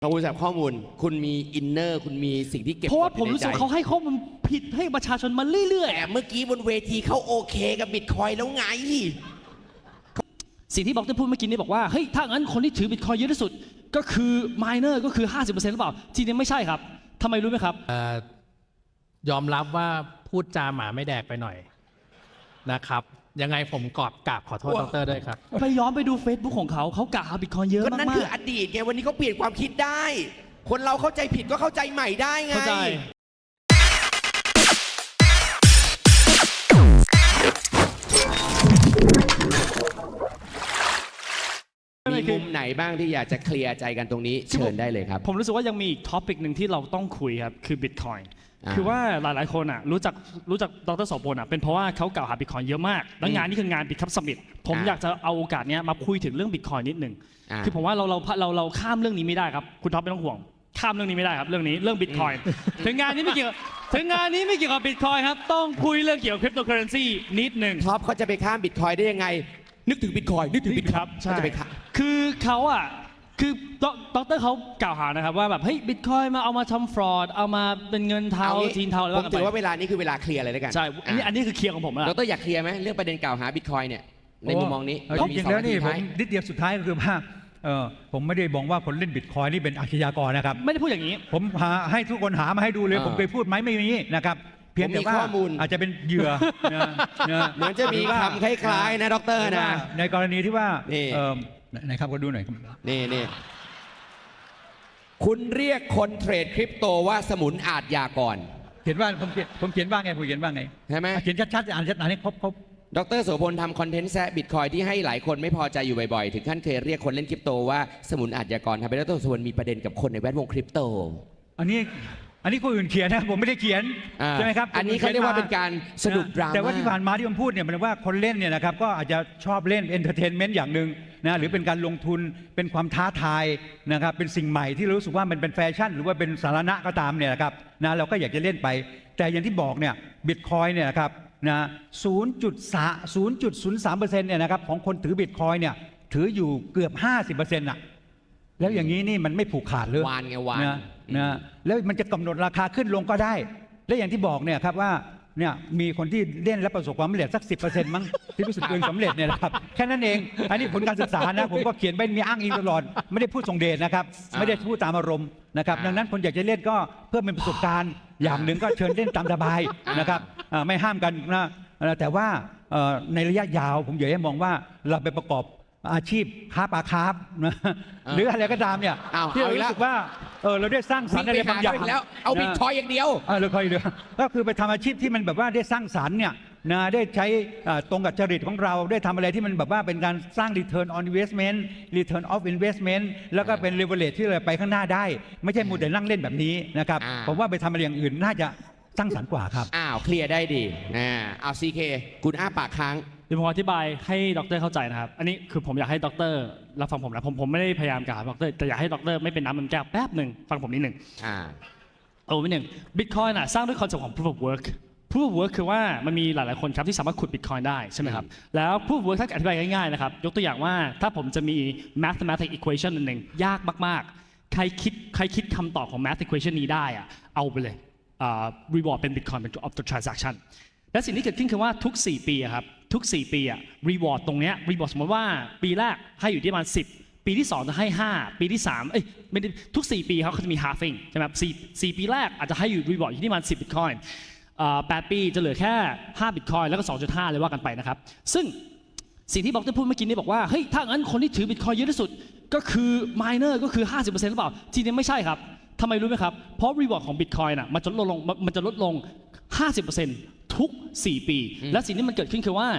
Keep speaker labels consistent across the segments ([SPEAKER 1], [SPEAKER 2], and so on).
[SPEAKER 1] เราบริษัทข้อมูลคุณมีอินเนอร์คุณมีสิ่งที่เก็บ
[SPEAKER 2] เพราะว่าผมรู้สึกเขาให้ข้อมูลผิดให้ประชาชนมาเรื่อย
[SPEAKER 1] แต่เมื่อกี้บนเวทีเขาโอเคกับบิตคอยแล้วไง
[SPEAKER 2] สิ่งที่บอกที่พูดเมื่อกี้นี้บอกว่าเฮ้ยถ้างั้นคนที่ถือบิตคอยเยอะที่สุดก็คือมายเนอร์ก็คือ 50% หรือเปล่าจริงๆไม่ใช่ครับทำไมรู้ไหมครับ
[SPEAKER 3] ยอมรับว่าพูดจาหมาไม่แดกไปหน่อยนะครับยังไงผมกราบขอโทษดรด้วยครับ
[SPEAKER 2] ไปย้อนไปดู Facebook ของเขากล่าวหาบิตคอยเยอะมากๆก็
[SPEAKER 1] นั่นคืออดีตไงวันนี้เขาเปลี่ยนความคิดได้ คนเราเข้าใจผิดก็เข้าใจใหม่ได้ไง
[SPEAKER 2] เข้าใจ
[SPEAKER 1] มีมุมไหนบ้างที่อยากจะเคลียร์ใจกันตรงนี้เชิญได้เลยครับ
[SPEAKER 2] ผมรู้สึกว่ายังมีอีกท็อปิกหนึ่งที่เราต้องคุยครับคือ Bitcoin คือว่าหลายๆคนรู้จักดร.โสพลเป็นเพราะว่าเขากล่าวหา Bitcoin เยอะมากและงานนี้คืองาน Bitcoin Summit ผมอยากจะเอาโอกาสนี้มาคุยถึงเรื่อง Bitcoin นิดหนึ่งคือผมว่าเราข้ามเรื่องนี้ไม่ได้ครับคุณท็อปไม่ต้องห่วงข้ามเรื่องนี้ไม่ได้ครับเรื่อง Bitcoin ถึงงานนี้ไม่เกี่ยวกับ Bitcoin ครับต้องคุยเรื่องเกี่ยวกับ Cryptocurrency นิดหนึ่ง
[SPEAKER 1] ท็อปเขาจะไปข้าม Bitcoin ได้ยังไงนึกถึง Bitcoin
[SPEAKER 2] ครับ
[SPEAKER 1] จะไปข้าม
[SPEAKER 2] คือเขาคือดรเขากล่าวหานะครับว่าแบบเฮ้ยบิตคอยมาเอามาทำฟรอดเอามาเป็นเงินเทาจีนเทาอะไร
[SPEAKER 1] ผมถือว่าเวลานี้คือเวลาเคลียร์เลยแล้วกัน
[SPEAKER 2] ใช่อันนี้คือเคลียร์ของผมแล้ว
[SPEAKER 1] ดรอยากเคลียร์ไหมเรื่องประเด็นกล่าวหาบิตคอยเนี่ยในมุมมองนี้
[SPEAKER 4] จริงๆแล้วนี่ผมนิดเดียวสุดท้ายก็คือว่าผมไม่ได้บอกว่าคนเล่นบิตคอยนี่เป็นอาชญากรนะครับ
[SPEAKER 2] ไม่ได้พูดอย่างนี้
[SPEAKER 4] ผมให้ทุกคนหามาให้ดูเลยผมเคยพูดไหมไม่มีนะครับเพียงแต่ว่าอาจจะเป็นเหยื่อ
[SPEAKER 1] เหมือนจะมีคำคล้ายๆนะดรนะ
[SPEAKER 4] ในกรณีที่ว่าไหนครับก็ดูหน่อย
[SPEAKER 1] นี่คุณเรียกคนเทรดคริปโตว่าสมุนอาชญากร
[SPEAKER 4] เขียนว่าผมเขียนว่าไง
[SPEAKER 1] ใช่ไหม
[SPEAKER 4] เขียนชัดๆอ่านให้ครบ
[SPEAKER 1] ดร.โสพลทำคอนเทนต์แซะบิตคอยที่ให้หลายคนไม่พอใจอยู่บ่อยๆถึงขั้นเคยเรียกคนเล่นคริปโตว่าสมุนอาชญากรทำให้ดร.โสพลมีประเด็นกับคนในแวดวงคริปโต
[SPEAKER 4] อันนี้คนอื่นเขียนนะผมไม่ได้เขียนใช่ไหมครับ
[SPEAKER 1] อันนี้เขาเรียกว่าเป็นการสนุกดราม่า
[SPEAKER 4] แต่ว่าที่ผ่านมาที่ผมพูดเนี่ยมันว่าคนเล่นเนี่ยนะครับก็อาจจะชอบเล่นเอนเตอร์เทนเมนต์อย่างหนึ่งนะหรือเป็นการลงทุนเป็นความท้าทายนะครับเป็นสิ่งใหม่ที่รู้สึกว่ามันเป็นแฟชั่นหรือว่าเป็นสาระก็ตามเนี่ยนะครับนะเราก็อยากจะเล่นไปแต่อย่างที่บอกเนี่ยบิตคอยเนี่ยนะครับนะ0.03% เนี่ยนะครับของคนถือบิตคอยเนี่ยถืออยู่เกือบ 50%น่ะแล้วอย่างนี้นี่มันไม่ผูกขาดเลยว
[SPEAKER 1] าน
[SPEAKER 4] นะแล้วมันจะกำหนดราคาขึ้นลงก็ได้และอย่างที่บอกเนี่ยครับว่าเนี่ยมีคนที่เล่นและประสบความสำเร็จสัก 10% มั้งที่รู้สึกตัวเองสำเร็จเนี่ยนะครับแค่นั้นเองอันนี้ผลการศึกษานะผมก็เขียนไปมีอ้างอิงตลอดไม่ได้พูดทรงเดชนะครับไม่ได้พูดตามอารมณ์นะครับดังนั้นคนอยากจะเล่นก็เพื่อเป็นประสบการณ์อย่างหนึ่งก็เชิญเล่นตามสบายนะครับไม่ห้ามกันนะแต่ว่าในระยะยาวผมอยากให้มองว่าเราไปประกอบอาชีพค้าปลาคาร์ฟนะหรืออะไรก็ตามเนี่ยที่เรารู้สึกว่าเราได้สร้างสรรค์อะไรบางอย่าง
[SPEAKER 1] แล้วเอาบิตคอยอย่างเดียว
[SPEAKER 4] เราคอยเดียวก็คือไปทำอาชีพที่มันแบบว่าได้สร้างสรรค์เนี่ยนะได้ใช้ตรงกับจริตของเราได้ทำอะไรที่มันแบบว่าเป็นการสร้าง return on investment return of investment แล้วก็เป็น leverage ที่เราไปข้างหน้าได้ไม่ใช่มัวแต่นั่งเล่นแบบนี้นะครับผมว่าไปทำอะไรอย่างอื่นน่าจะสร้างสรรค์กว่าครับ
[SPEAKER 1] เคลียร์ได้ดีเอาซีเคคุณอ้าปากค้าง
[SPEAKER 2] เดี๋ยวผมอธิบายให้ดร.เข้าใจนะครับอันนี้คือผมอยากให้ดร.รับฟังผมนะผมไม่ได้พยายามกล่าวดร.แต่อยากให้ดร.ไม่เป็นน้ำมันแก้วแป๊บหนึ่งฟังผมนิดหนึ่งนิดหนึ่ง Bitcoin สร้างด้วยคอนเซ็ปต์ของ Proof of Work Proof of Work คือว่ามันมีหลายๆคนครับที่สามารถขุด Bitcoin ได้ใช่ไหมครับแล้ว Proof of Work ถ้าอธิบายง่ายๆนะครับยกตัวอย่างว่าถ้าผมจะมี mathematical equation หนึ่งยากมากๆใครคิดคำตอบของ math equation นี้ได้เอาไปเลย reward เป็น Bitcoin เป็น of the transaction และสิ่งที่เกิดขึ้นคือว่าทุก4ปีครับทุก4ปีreward ตรงเนี้ย reward สมมติว่าปีแรกให้อยู่ที่ประมาณ10ปีที่2จะให้5ปีที่3ไม่ได้ทุก4ปีเขาจะมี halving ใช่ไหมครับ4ปีแรกอาจจะให้อยู่ reward อยู่ที่ประมาณ10 Bitcoin 8 ปีจะเหลือแค่5 Bitcoin แล้วก็ 2.5 เลยว่ากันไปนะครับซึ่งสิ่งที่บอกที่พูดเมื่อกี้นี้บอกว่าเฮ้ยถ้างั้นคนที่ถือ Bitcoin เยอะที่สุดก็คือ miner ก็คือ 50% หรือเปล่าจริงๆไม่ใช่ครับทำไมรู้ไหมครับเพราะ reward ของ Bitcoin มันจะลดลง 50% ทุก4 ปีและสิ่งที่มันเกิดขึ้นคือว่า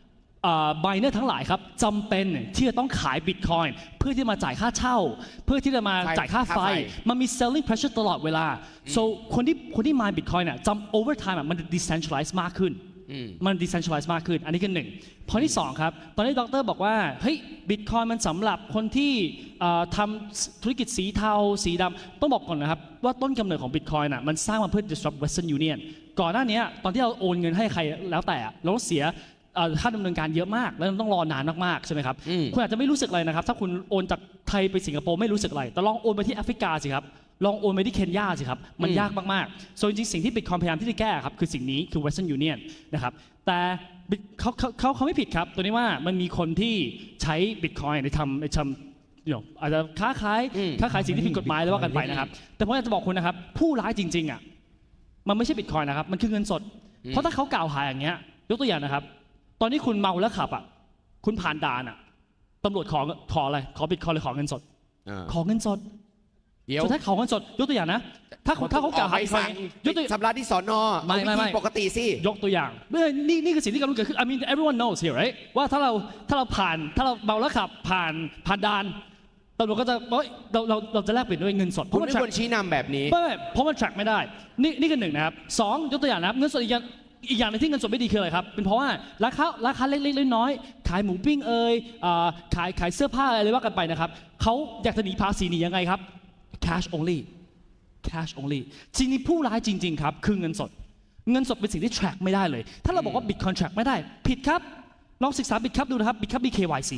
[SPEAKER 2] miner ทั้งหลายครับจำเป็นที่จะต้องขาย Bitcoin เพื่อที่มาจ่ายค่าเช่าเพื่อที่จะมาจ่ายค่าไฟมันมี selling pressure ตลอดเวลา so คนที่ mine Bitcoin จำ over time มัน decentralize มากขึ้นมัน decentralize มากขึ้นอันนี้คือ1 พอที่2ครับตอนนี้ดร.บอกว่าเฮ้ย Bitcoin มันสำหรับคนที่ทำธุรกิจสีเทาสีดำต้องบอกก่อนนะครับว่าต้นกำเนิดของ Bitcoin มันสร้างมาเพื่อ disrupt Western Union ก่อนหน้านี้ตอนที่เราโอนเงินให้ใครแล้วแต่เราเสียค่าดำเนินการเยอะมากแล้วต้องรอนานมากๆใช่ไหมครับ คุณอาจจะไม่รู้สึกอะไรนะครับถ้าคุณโอนจากไทยไปสิงคโปร์ไม่รู้สึกอะไรแต่ลองโอนไปที่แอฟริกาสิครับลองโอนไปที่เคนยาสิครับมันยากมากๆส่วนจริงๆสิ่งที่ Bitcoin พยายามที่จะแก้ครับคือสิ่งนี้คือ Western Union นะครับแต่เขาไม่ผิดครับตัวนี้ว่ามันมีคนที่ใช้ Bitcoin ในทำอาจจะค้าขายสิ่งที่ผิดกฎหมายแล้วว่ากันไปนะครับแต่ผมอยากจะบอกคุณนะครับผู้ร้ายจริงๆอ่ะมันไม่ใช่ Bitcoin นะครับมันคือเงินสดเพราะถ้าเขากล่าวหาอย่างเงี้ยยกตัวอย่างนะครับตอนนี้คุณเมาแล้วขับอ่ะคุณผ่านด่านอ่ะตำรวจขออะไรขอ Bitcoin หรือขอเงินสดขอเงินสด
[SPEAKER 1] เดี๋ยว
[SPEAKER 2] สุดท้ายขอเงินสดยกตัวอย่างนะถ้าเขากล่าวหา
[SPEAKER 1] สั่งยกตัวชำระที่สอนอไม่ปกติสิ
[SPEAKER 2] ยกตัวอย่างนี่คือสิ่งที่กำลังเกิดขึ้น I mean everyone knows here right ว่าถ้าเราเมาแล้วขับผ่านด่านตำรวจก็จะเราจะแลกเปลี่ยนด้วยเงินสด
[SPEAKER 1] คุณไม่ควรชี้นำแบบนี้
[SPEAKER 2] ไม่เพราะมัน track ไม่ได้นี่คือหนึ่งนะครับสองยกตัวอย่างนะครับเงินสดอีกอย่างนึงที่เงินสดไม่ดีคืออะไรครับเป็นเพราะว่าราคาเล็กๆน้อยๆขายหมูปิ้งขายเสื้อผ้าอะไรว่ากันไปนะครับเขาอยากจะหนีภาษีหนียังไงครับ cash only จริงๆผู้ร้ายจริงๆครับคือเงินสดเป็นสิ่งที่ track ไม่ได้เลยถ้าเราบอกว่า Bitcoin track ไม่ได้ผิดครับลองศึกษา Bitcup ดูนะครับ Bitcup มี KYC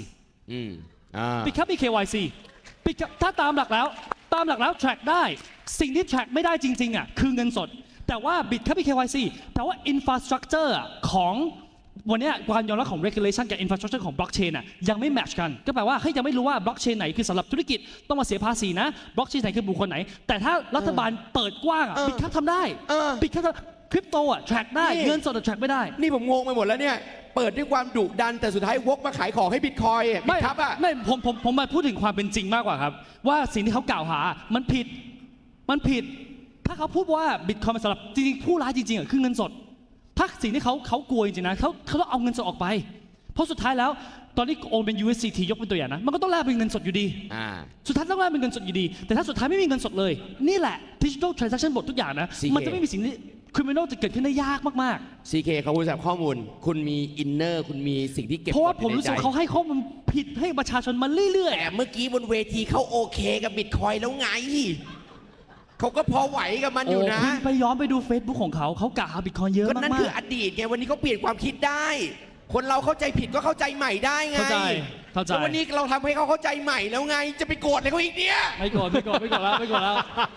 [SPEAKER 2] Bitcup มี KYC Bitcup ถ้าตามหลักแล้ว track ได้สิ่งที่ track ไม่ได้จริงๆอ่ะคือเงินสดแต่ว่า Bitcup มี KYC แต่ว่า infrastructure ของวันนี้การยอมรับของ regulation กับ infrastructure ของ blockchain น่ะยังไม่ match กันก็แปลว่ายังไม่รู้ว่า blockchain ไหนคือสำหรับธุรกิจต้องมาเสียภาษีนะ blockchain ไหนคือบุคคลไหนแต่ถ้ารัฐบาลเปิดกว้างอ่ะ Bitcup ทำได้ Bitcup คริปโตอ่ะ track ได้เงินสด track ไม่ได้
[SPEAKER 1] นี่ผมงงไปหมดแล้วเนี่ยเปิดด้วยความดุดันแต่สุดท้ายวกมาขายของให้บิตคอย
[SPEAKER 2] ไม่ครับอ่ะไม่ผมมาพูดถึงความเป็นจริงมากกว่าครับว่าสิ่งที่เขากล่าวหามันผิดถ้าเขาพูดว่าบิตคอยน์สำหรับจริงๆผู้ร้ายจริงๆอ่ะคือเงินสดถ้าสิ่งที่เขากลัวจริงๆนะเขาต้องเอาเงินสดออกไปเพราะสุดท้ายแล้วตอนนี้โอนเป็น USDT ยกเป็นตัวอย่างนะมันก็ต้องแลกเป็นเงินสดอยู่ดีสุดท้ายต้องแลกเป็นเงินสดอยู่ดีแต่ถ้าสุดท้ายไม่มีเงินสดเลยนี่แหละ Digital Transaction บททุกอย่างนะมันจะไม่มีสิ่งที่criminal จะเกิดขึ้นได้ยากมาก
[SPEAKER 1] ๆ CK เขาพูดจากข้อมูลคุณมีอินเนอร์คุณมีสิ่งที่เก็บ
[SPEAKER 2] เพราะว่าผมรู้สึกเขาให้ข้อมูลผิดให้ประชาชนมาเรื่อย
[SPEAKER 1] ๆแต่เมื่อกี้บนเวทีเขาโอเคกับบิตคอยแล้วไงเขาก็พอไหวกับมันอยู่นะ
[SPEAKER 2] ไปย้อนไปดู Facebook ของเขากล่าวหาบิตคอยเยอะมากๆก็
[SPEAKER 1] นั่นคืออดีตไงวันนี้เขาเปลี่ยนความคิดได้คนเราเข้าใจผิดก็เข้าใจใหม่ได้ไง
[SPEAKER 2] เข้าใจ
[SPEAKER 1] แล้ววันนี้เราทำให้เขาเข้าใจใหม่แล้วไงจะไปโกรธอะไรเขาอีกเนี่ย
[SPEAKER 2] ไม่โกรธแล้ว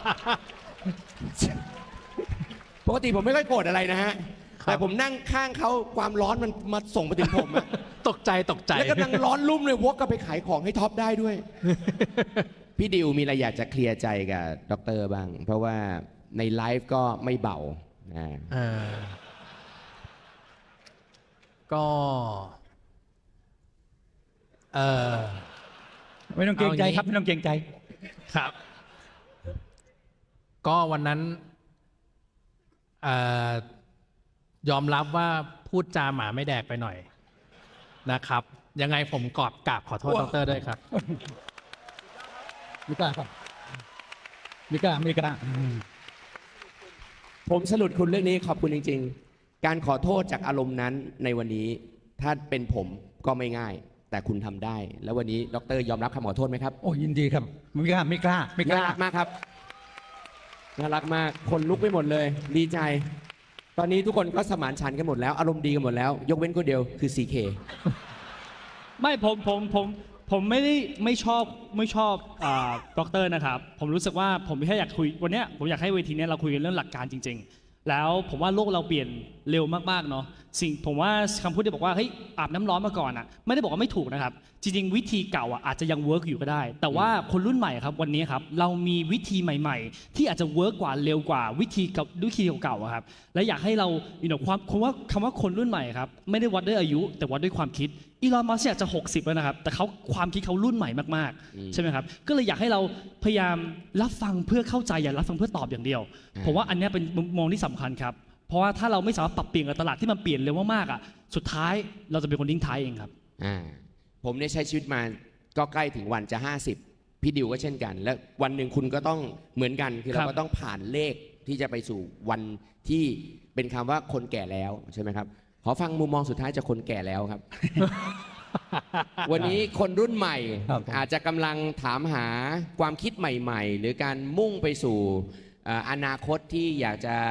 [SPEAKER 1] ปกติผมไม่ค่อยโกรธอะไรนะฮะแต่ผมนั่งข้างเขาความร้อนมันมาส่งไปถึงผม
[SPEAKER 3] ตกใจ
[SPEAKER 1] แล้วกำลังร้อนรุ่มเลยวกก็ไปขายของให้ท็อปได้ด้วยพี่ดิวมีอะไรอยากจะเคลียร์ใจกับดร.บ้างเพราะว่าในไลฟ์ก็ไม่เบา
[SPEAKER 3] ก็
[SPEAKER 4] ไม่ต้องเกรงใจครับไม่ต้องเกรงใจ
[SPEAKER 3] ครับก็วันนั้นยอมรับว่าพูดจาหมาไม่แดกไปหน่อยนะครับยังไงผมกราบขอโทษดร.ด้วยครับ
[SPEAKER 4] ไม่กล้าครับไม่กล้า
[SPEAKER 1] ผมสรุปคุณเรื่องนี้ขอบคุณจริงๆการขอโทษจากอารมณ์นั้นในวันนี้ถ้าเป็นผมก็ไม่ง่ายแต่คุณทำได้แล้ววันนี้ดร.ยอมรับคำขอโทษไหมครับ
[SPEAKER 4] โอ้ยินดีครับไม่กล้า
[SPEAKER 1] น่ารักมากครับน่ารักมากคนลุกไปหมดเลยดีใจตอนนี้ทุกคนก็สมานฉันท์กันหมดแล้วอารมณ์ดีกันหมดแล้วยกเว้นคนเดียวคือ CK
[SPEAKER 2] ไม่ผมไม่ชอบด็อกเตอร์นะครับผมรู้สึกว่าผมแค่อยากคุยวันนี้ผมอยากให้เวทีนี้เราคุยกันเรื่องหลักการจริงๆแล้วผมว่าโลกเราเปลี่ยนเร็วมากๆเนาะผมว่าคำพูดที่บอกว่าเฮ้ยอาบน้ำร้อนมาก่อนอ่ะไม่ได้บอกว่าไม่ถูกนะครับจริงๆวิธีเก่าอ่ะอาจจะยังเวิร์กอยู่ก็ได้แต่ว่าคนรุ่นใหม่ครับวันนี้ครับเรามีวิธีใหม่ๆที่อาจจะเวิร์กกว่าเร็วกว่าวิธีเก่าๆครับและอยากให้เราคำว่าคนรุ่นใหม่ครับไม่ได้วัดด้วยอายุแต่วัดด้วยความคิดอีลอน มัสก์อยากจะ60แล้วนะครับแต่ความคิดเขารุ่นใหม่มากๆใช่ไหมครับก็เลยอยากให้เราพยายามรับฟังเพื่อเข้าใจอย่ารับฟังเพื่อตอบอย่างเดียวผมว่าอันนี้เป็นมุมมองที่สำคัญครับเพราะว่าถ้าเราไม่สามารถปรับเปลี่ยนกับตลาดที่มันเปลี่ยนเร็วมากๆอ่ะสุดท้ายเราจะเป็นคนทิ้งท้ายเองครับ
[SPEAKER 1] ผมเนี่ยใช้ชีวิตมาก็ใกล้ถึงวันจะ50พี่ดิวก็เช่นกันและวันหนึ่งคุณก็ต้องเหมือนกันคือเราก็ต้องผ่านเลขที่จะไปสู่วันที่เป็นคำว่าคนแก่แล้วใช่ไหมครับขอฟังมุมมองสุดท้ายจากคนแก่แล้วครับ วันนี้คนรุ่นใหม่อาจจะกำลังถามหาความคิดใหม่ๆหรือการมุ่งไปสู่อนาคตที่อยากจะ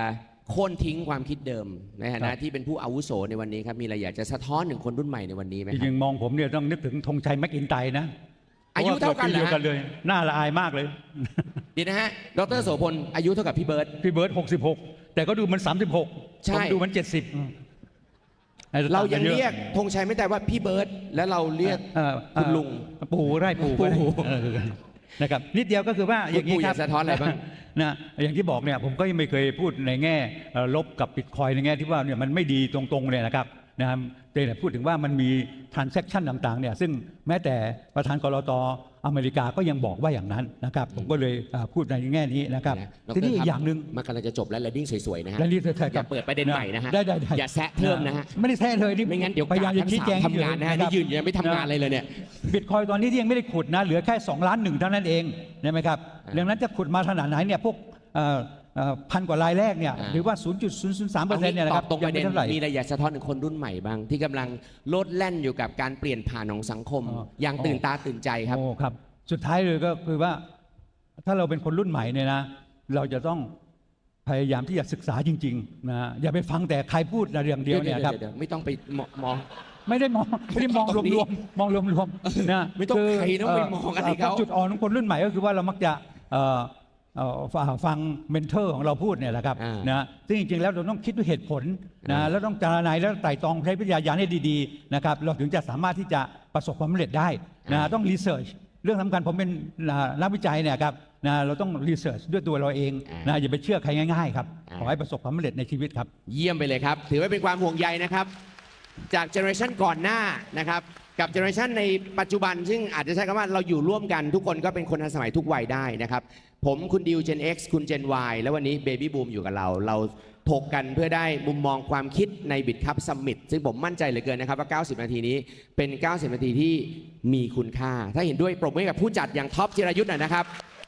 [SPEAKER 1] โค่นทิ้งความคิดเดิมในฐานะที่เป็นผู้อาวุโสในวันนี้ครับมีอะไรอยากจะสะท้อนถึงคนรุ่นใหม่ในวันนี้ไหม
[SPEAKER 4] จ
[SPEAKER 1] ครั
[SPEAKER 4] ริ
[SPEAKER 1] บ
[SPEAKER 4] งๆมองผมเนี่ยต้องนึกถึงธงชัยแม็กอินไตร์นะ
[SPEAKER 1] อายุเท่ากัน
[SPEAKER 4] พระว่
[SPEAKER 1] เหรอ
[SPEAKER 4] เดียวกันเลยน่าละอายมากเลย
[SPEAKER 1] เดียวนะฮะดรโสพลอายุเท่ากับพี่เบิร์ต
[SPEAKER 4] พี่เบิร์ต66 แต่ก็ดูมัน 36
[SPEAKER 1] ใช่
[SPEAKER 4] ผมดูมัน 70
[SPEAKER 1] เรายังเรียกธงชัยไม่แต่ว่าพี่เบิร์ตแล้วเราเรียก คุณลุง
[SPEAKER 4] ปู่ได้ปู่ก็ได้
[SPEAKER 1] ปู่
[SPEAKER 4] นะครับนิดเดียวก็คือว่าอย่างนี้
[SPEAKER 1] ปู่
[SPEAKER 4] ค
[SPEAKER 1] อ
[SPEAKER 4] รับ
[SPEAKER 1] ยากสะท้อนอะไรบ้าง
[SPEAKER 4] นะอย่างที่บอกเนี่ยผมก็ยังไม่เคยพูดในแง่ลบกับบิตคอยในแง่ที่ว่าเนี่ยมันไม่ดีตรงๆเลยนะครับนะครับแต่พูดถึงว่ามันมี transaction ต่างๆเนี่ยซึ่งแม้แต่ประธานกลตอเมริกาก็ยังบอกว่าอย่างนั้นนะครับผมก็เลยพูดในแง่นี้นะครับ
[SPEAKER 1] ดร
[SPEAKER 4] ทีนี้อี
[SPEAKER 1] ค
[SPEAKER 4] ก
[SPEAKER 1] รับ
[SPEAKER 4] อย่างหนึ่ง
[SPEAKER 1] มันกำลังจะจบแล้ว landing สวยๆนะฮะ
[SPEAKER 4] และนี่เธอ
[SPEAKER 1] อย่าเปิดประเด็นใหม่นะฮะ
[SPEAKER 4] ได้
[SPEAKER 1] อย่าแซะเพิ่มนะฮะ
[SPEAKER 4] ไม่ได้แซะเลยนี่
[SPEAKER 1] ไม่งั้นเดี๋ยว
[SPEAKER 4] พยายามจะชี้แจง
[SPEAKER 1] ทำงานนะฮะ
[SPEAKER 4] ค
[SPEAKER 1] นี่
[SPEAKER 4] รับ
[SPEAKER 1] ยืนยังไม่ทำงานอะไรเลยเนี่ย
[SPEAKER 4] บิตคอยตอนนี้ที่ยังไม่ได้ขุดนะเหลือแค่2 ล้าน 1เท่านั้นเองใช่ไหมครับดังนั้นจะขุดมาขนาดไหนเนี่ยพวกพันกว่ารายแรกเนี่ยหรือว่า 0.003%เนี่ยนะครับ
[SPEAKER 1] ตรงประเด็น
[SPEAKER 4] ยังไม่เท่าไหร่
[SPEAKER 1] มีอะไรอยากสะท้อนถึงคนรุ่นใหม่บ้าง ที่กำลังโลดแล่นอยู่กับการเปลี่ยนผ่านของสังคม อย่างตื่นตาตื่นใจครับ
[SPEAKER 4] โอ้ครับ สุดท้ายเลยก็คือว่าถ้าเราเป็นคนรุ่นใหม่เนี่ยนะเราจะต้องพยายามที่จะศึกษาจริงๆนะอย่าไปฟังแต่ใครพูดแต่เรื่องเดียวเนี่ยครับ
[SPEAKER 1] ดี๋วไม่ต้องไปมอง
[SPEAKER 4] ไม่ได้มองรวมๆมองรวมๆนะ
[SPEAKER 1] ไม่ต้องใครต้องไปมองอะไรเขา
[SPEAKER 4] จุดอ่อนของคนรุ่นใหม่ก็คือว่าเรามักจะฟังเมนเทอร์ของเราพูดเนี่ยแหละครับนะซึ่งจริงๆแล้วเราต้องคิดด้วยเหตุผลนะแล้วต้องจารณาแล้วไตร่ตรองใช้วิทยาญาณให้ดีๆนะครับเราถึงจะสามารถที่จะประสบความสำเร็จได้นะต้องรีเสิร์ชเรื่องสำคัญผมเป็นนักวิจัยเนี่ยครับนะเราต้องรีเสิร์ชด้วยตัวเราเองนะอย่าไปเชื่อใครง่ายๆครับขอให้ประสบความสำเร็จในชีวิตครับ
[SPEAKER 1] เยี่ยมไปเลยครับ ถือว่าเป็นความห่วงใยนะครับ จากเจเนอเรชันก่อนหน้านะครับกับเจเนอเรชันในปัจจุบันซึ่งอาจจะใช้คำว่าเราอยู่ร่วมกันทุกคนก็เป็นคนทันสมัยทุกวัยได้นะครับผมคุณดิว Gen X คุณ Gen Y แล้ววันนี้ Baby Boom อยู่กับเราถกกันเพื่อได้มุมมองความคิดใน BitCup Summit ซึ่งผมมั่นใจเหลือเกินนะครับว่า90 นาทีนี้เป็น 90 นาทีที่มีคุณค่า ถ้าเห็นด้วยปรบมือให้กับผู้จัดอย่างท็อปจิรายุทธ์หน่อยนะครับ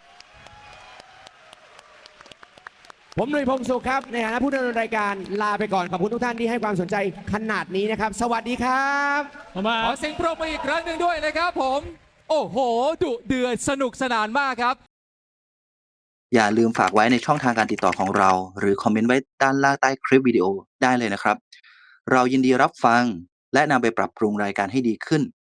[SPEAKER 1] ผมหนุ่ยพงศ์สุขครับในฐานะผู้ดำเนินรายการลาไปก่อนขอบคุณทุกท่านที่ให้ความสนใจขนาดนี้นะครับ สวัสดีครับ
[SPEAKER 5] ขอเสียงปรบมืออีกครั้งหนึ่งด้วยนะครับผม โอ้โห ดุเดือดสนุกสนานมากครับ
[SPEAKER 6] อย่าลืมฝากไว้ในช่องทางการติดต่อของเรา หรือคอมเมนต์ไว้ด้านล่างใต้คลิปวิดีโอได้เลยนะครับ เรายินดีรับฟังและนำไปปรับปรุงรายการให้ดีขึ้น